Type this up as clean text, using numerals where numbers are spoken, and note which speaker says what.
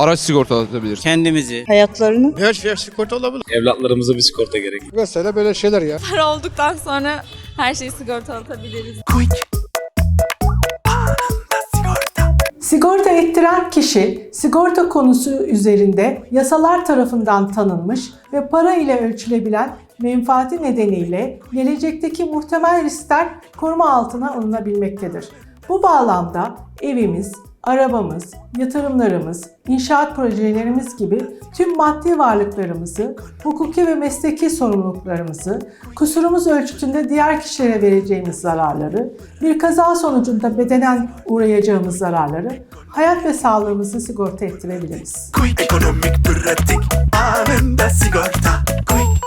Speaker 1: Araç sigortalatabiliriz.
Speaker 2: Kendimizi.
Speaker 3: Hayatlarını.
Speaker 4: Her şey sigorta olabilir.
Speaker 5: Evlatlarımıza bir sigorta gerek.
Speaker 4: Mesela böyle şeyler ya.
Speaker 6: Para olduktan sonra her şeyi sigortalatabiliriz.
Speaker 7: Sigorta ettiren kişi, sigorta konusu üzerinde yasalar tarafından tanınmış ve para ile ölçülebilen menfaati nedeniyle gelecekteki muhtemel riskler koruma altına alınabilmektedir. Bu bağlamda evimiz, arabamız, yatırımlarımız, inşaat projelerimiz gibi tüm maddi varlıklarımızı, hukuki ve mesleki sorumluluklarımızı, kusurumuz ölçütünde diğer kişilere vereceğimiz zararları, bir kaza sonucunda bedenen uğrayacağımız zararları, hayat ve sağlığımızı sigorta ettirebiliriz.
Speaker 8: Ekonomik, pratik, anında sigorta.